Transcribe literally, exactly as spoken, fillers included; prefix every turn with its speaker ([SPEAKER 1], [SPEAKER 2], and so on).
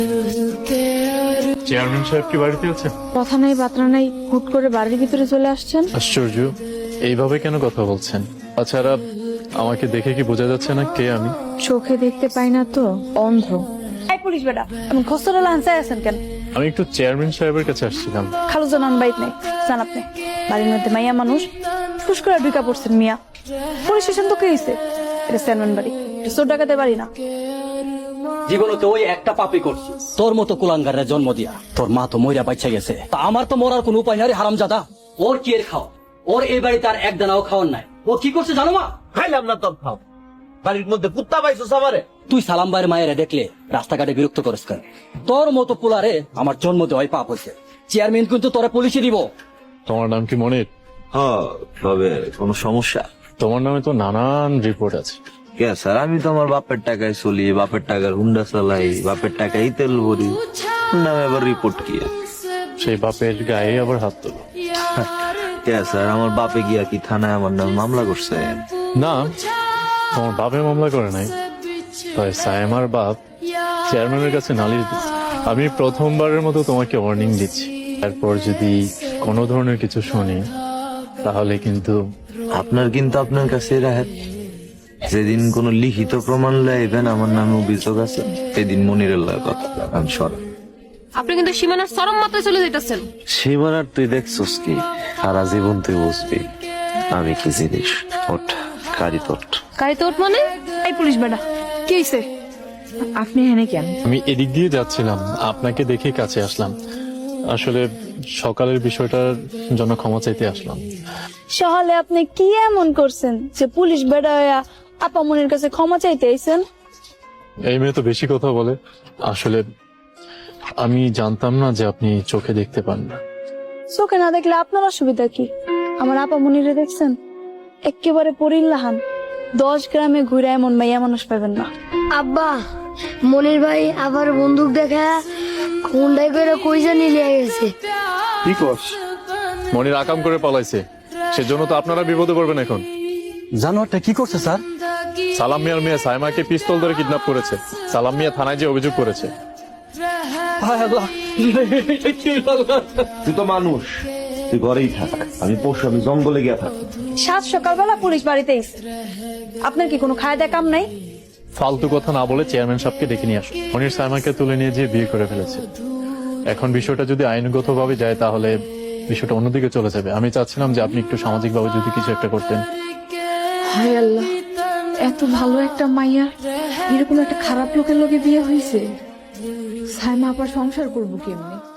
[SPEAKER 1] Chairman সাহেব কি বাড়িতে আছেন?
[SPEAKER 2] কথা নাই বার্তা নাই, হুট করে বাড়ির ভিতরে চলে আসছেন।
[SPEAKER 1] আশ্চর্য, এইভাবে কেন কথা বলছেন? তাছাড়া আমাকে দেখে কি বোঝা যাচ্ছে না কে আমি?
[SPEAKER 2] চোখে দেখতে পাই না তো, অন্ধ। এই পুলিশ বেটা, এমন খসড়া লাঞ্চায় আছেন কেন?
[SPEAKER 1] আমি একটু চেয়ারম্যান সাহেবের কাছে আসছিলাম।
[SPEAKER 2] খালু জানান বাইক নেই, জান আপনি বাড়ির মধ্যে মাইয়া মানুষ ফুস করে ঢুকা পড়ছেন মিয়া। পুলিশ স্টেশন তো কে হইছে? এটা চেয়ারম্যান বাড়ি, এটা চোর ডাকাতের বাড়ি না।
[SPEAKER 3] জীবনে তো ওই একটা পাপি করছি, তোর মতো কুলাঙ্গারের জন্ম দিয়া। তোর মা তো মইরা বাচ্চা গেছে, তা আমার তো মরার কোনো উপায় নাই। হারামজাদা, ওর কি এর খাও? ওর এই বাড়িতে আর এক দানাও খাওয়ার নাই। ও কি করছে জানো মা?
[SPEAKER 4] খাইলাম না তোর খাও, বাড়ির মধ্যে কুত্তা পাইছো সামারে।
[SPEAKER 3] তুই সালাম ভাইয়ের মায়েরা দেখলে রাস্তাঘাটে বিরক্ত করিস কেন? তোর মতো পোলারে আমার জন্ম দেওয়াই পাপ হয়েছে। চেয়ারম্যান কিন্তু তোরা পুলিশে দিব।
[SPEAKER 1] তোমার নাম কি মনির?
[SPEAKER 4] হ্যাঁ, তবে কোনো সমস্যা?
[SPEAKER 1] তোমার নামে তো নানান রিপোর্ট আছে।
[SPEAKER 4] কে স্যার, আমি তো আমার বাপের টাকায় চলি, বাপের টাকার হুন্ডা চালাই, বাপের টাকায় তেল ভরি, নামে আবার রিপোর্ট কি?
[SPEAKER 1] সেই বাপের গায়ে আবার হাত তোলো?
[SPEAKER 4] কে স্যার, আমার বাপে গিয়া কি থানায় আমার নামে মামলা করছে?
[SPEAKER 1] না, তোমার বাপে মামলা করে নাই, তবে সায়েমার বাপ চেয়ারম্যানের কাছে নালিশ দিচ্ছে। আমি প্রথমবারের মতো তোমাকে ওয়ার্নিং দিচ্ছি, তারপর যদি কোনো ধরনের কিছু শুনি তাহলে কিন্তু।
[SPEAKER 4] আপনার কিন্তু আপনার কাছে রাহেত। যেদিন কোন লিখিত প্রমাণ লাইবেন আমার নামে অভিযোগ আছে, সেদিন মনিরের লাগে কথা আমি সর।
[SPEAKER 5] আপনি কিন্তু সীমানার চরম মাত্রায় চলে যেতেছেন।
[SPEAKER 4] সীমানার তুই দেখছস কি? সারা জীবন তুই বুঝবি আমি কি জিনিস। ওঠ, কারি তোট।
[SPEAKER 5] গাড়ি তো ওঠ মানে?
[SPEAKER 2] এই পুলিশ বেটা, কি হইছে? আপনি এখানে কেন?
[SPEAKER 1] আমি এদিক দিয়ে যাচ্ছিলাম, আপনাকে দেখে কাছে আসলাম। আসলে সকালের বিষয়টার জন্য ক্ষমা চাইতে আসলাম।
[SPEAKER 2] সকালে আপনি কি এমন করছেন যে পুলিশ বেটা হইয়া আপা মনির কাছে ক্ষমা চাইতে আইছেন?
[SPEAKER 1] এই মেয়ে তো বেশি কথা বলে। আসলে আমি জানতাম না যে আপনি চোখে দেখতে পান না।
[SPEAKER 2] চোখে না দেখলে আপনার অসুবিধা কি? আমার আপা মনিরে দেখছেন, একেবারে পরিল্লাহান। দশ গ্রামে ঘুরে এমন মাইয়া মানুষ পাবেন না।
[SPEAKER 6] আব্বা, মনির ভাই আবার বন্দুক দেখা খুন্ডাই করে কই জানি লিয়ে গেছে।
[SPEAKER 1] কি কস? মনির আকাম করে পালাইছে, সেজন্য তো আপনারা বিপদে পড়বেন এখন।
[SPEAKER 3] জানোয়ারটা কি করছে স্যার?
[SPEAKER 1] সালাম মিয়ার মেয়ে সাইমাকে পিস্তল ধরে কিডন্যাপ করেছে। সালাম মিয়া থানায় যে অভিযোগ করেছে।
[SPEAKER 4] তুই তো মানুষ, তুই ঘরেই থাক, আমি পশু, আমি জঙ্গলে গিয়া থাক।
[SPEAKER 2] সাত সকালবেলা পুলিশ বাড়িতে আইছে, আপনার কি কোনো খায় দেয় কাম নাই?
[SPEAKER 1] ফালতু কথা না বলে চেয়ারম্যান সাহেবকে ডেকে নিয়ে আসো। মনির সাইমাকে তুলে নিয়ে যেয়ে বিয়ে করে ফেলেছে। এখন বিষয়টা যদি আইনগত ভাবে যায় তাহলে বিষয়টা অন্যদিকে চলে যাবে। আমি চাচ্ছিলাম যে আপনি একটু সামাজিক ভাবে যদি কিছু একটা করতেন।
[SPEAKER 2] হায় আল্লাহ, এত ভালো একটা মাইয়া এরকম একটা খারাপ লোকের লগে বিয়ে হয়েছে। সাইমা আবার সংসার করবো কেমনে?